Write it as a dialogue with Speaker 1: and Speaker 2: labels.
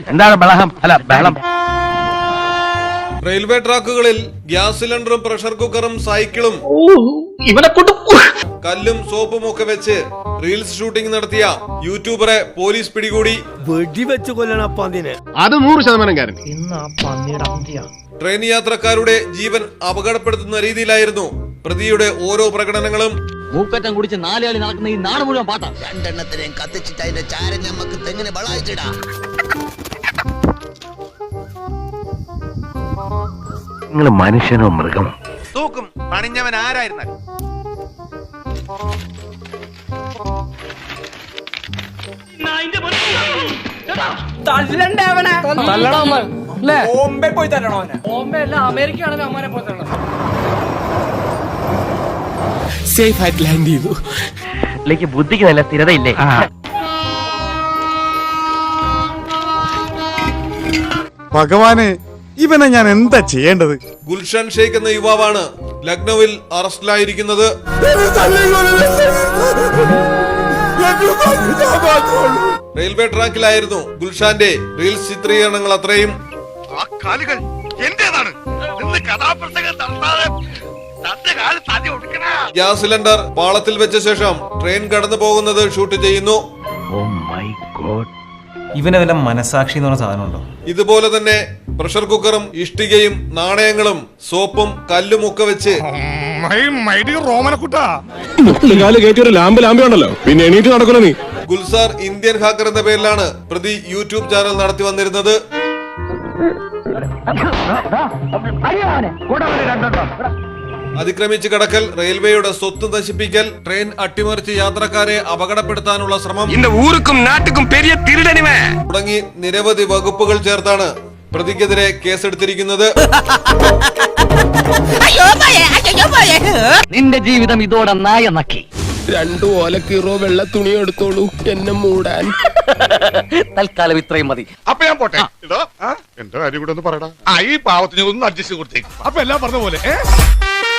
Speaker 1: എന്താണ് ബഹളം? അല്ല ബഹളം.
Speaker 2: റെയിൽവേ ട്രാക്കുകളിൽ ഗ്യാസ് സിലിണ്ടറും പ്രഷർ കുക്കറും സൈക്കിളും കല്ലും സോപ്പും ഒക്കെ വെച്ച് റീൽസ് ഷൂട്ടിംഗ് നടത്തിയ യൂട്യൂബറെ പോലീസ് പിടികൂടി.
Speaker 3: വെടിവെച്ച് കൊല്ലണം
Speaker 4: അത് 100%
Speaker 2: ട്രെയിൻ യാത്രക്കാരുടെ ജീവൻ അപകടപ്പെടുത്തുന്ന രീതിയിലായിരുന്നു പ്രതിയുടെ ഓരോ പ്രകടനങ്ങളും.
Speaker 1: മൂക്കറ്റം കുടിച്ച് 4 ആളി നടക്കുന്ന ഈ നാട് മുഴുവൻ പാട്ടാ.
Speaker 5: രണ്ടെണ്ണത്തിനെയും കത്തിച്ചിട്ട് അതിന്റെ ചാരം നമുക്ക് തെങ്ങിന് വളായിച്ചിടാ.
Speaker 1: നിങ്ങൾ മനുഷ്യനോ മൃഗമോ?
Speaker 6: തൂക്കും പണിഞ്ഞവൻ ആരായിരുന്നാലും.
Speaker 3: ബോംബെ പോയി തരണോ? ബോംബെ അല്ല, അമേരിക്കയാണല്ലോ. അമ്മാനെ പോയി തരണം. സേഫ് ആയിട്ട് ലാൻഡ് ചെയ്തു.
Speaker 1: ബുദ്ധിക്ക് നല്ല സ്ഥിരതയില്ലേ?
Speaker 7: ഭഗവാനെ, ഇവനെ ഞാൻ എന്താ ചെയ്യേണ്ടത്?
Speaker 2: ഗുൽഷൻ ഷെയ്ഖ് എന്ന യുവാവാണ് ലക്നൌവിൽ അറസ്റ്റിലായിരിക്കുന്നത്. റെയിൽവേ ട്രാക്കിലായിരുന്നു ഗുൽഷാന്റെ റീൽസ് ചിത്രീകരണങ്ങൾ അത്രയും.
Speaker 6: ആ കാലുകൾ എന്റേതാണ്.
Speaker 2: ഗ്യാസ് സിലിണ്ടർ പാളത്തിൽ വെച്ച ശേഷം ട്രെയിൻ കടന്നു പോകുന്നത് ഷൂട്ട് ചെയ്യുന്നു.
Speaker 8: ഇവനെ വല്ല മനസാക്ഷി എന്ന് പറഞ്ഞ സാധനം ഉണ്ടോ?
Speaker 2: ഇതുപോലെ തന്നെ പ്രഷർ കുക്കറും ഇഷ്ടികയും നാണയങ്ങളും സോപ്പും കല്ലും ഒക്കെ വെച്ച്
Speaker 4: പിന്നെ എണീറ്റ് നടക്കണ നീ.
Speaker 2: ഗുൽസാർ ഇന്ത്യൻ ഹാക്കർ എന്ന പേരിലാണ് പ്രതി യൂട്യൂബ് ചാനൽ നടത്തി വന്നിരുന്നത്. അതിക്രമിച്ച് കടക്കൽ, റെയിൽവേയുടെ സ്വത്ത് നശിപ്പിക്കൽ, ട്രെയിൻ അട്ടിമറിച്ച് യാത്രക്കാരെ അപകടപ്പെടുത്താനുള്ള ശ്രമം തുടങ്ങി നിരവധി വകുപ്പുകൾ ചേർത്താണ് പ്രതിക്കെതിരെ കേസെടുത്തിരിക്കുന്നത്.
Speaker 1: നിന്റെ ജീവിതം ഇതോടെ നായ നക്കി.
Speaker 3: 2 ഓലക്കീറോ വെള്ള തുണി എടുത്തോളൂ എന്നെ മൂടാൻ.
Speaker 1: തൽക്കാലം ഇത്രയും മതി.
Speaker 6: അപ്പൊ ഞാൻ പോട്ടെ. എന്റെ കാര്യം കൂടെ ഒന്ന് പറയടാ. ഈ പാവത്തിന് ഒന്ന് അഡ്ജസ്റ്റ് കൊടുത്തേക്ക്.
Speaker 4: അപ്പൊ എല്ലാം പറഞ്ഞ പോലെ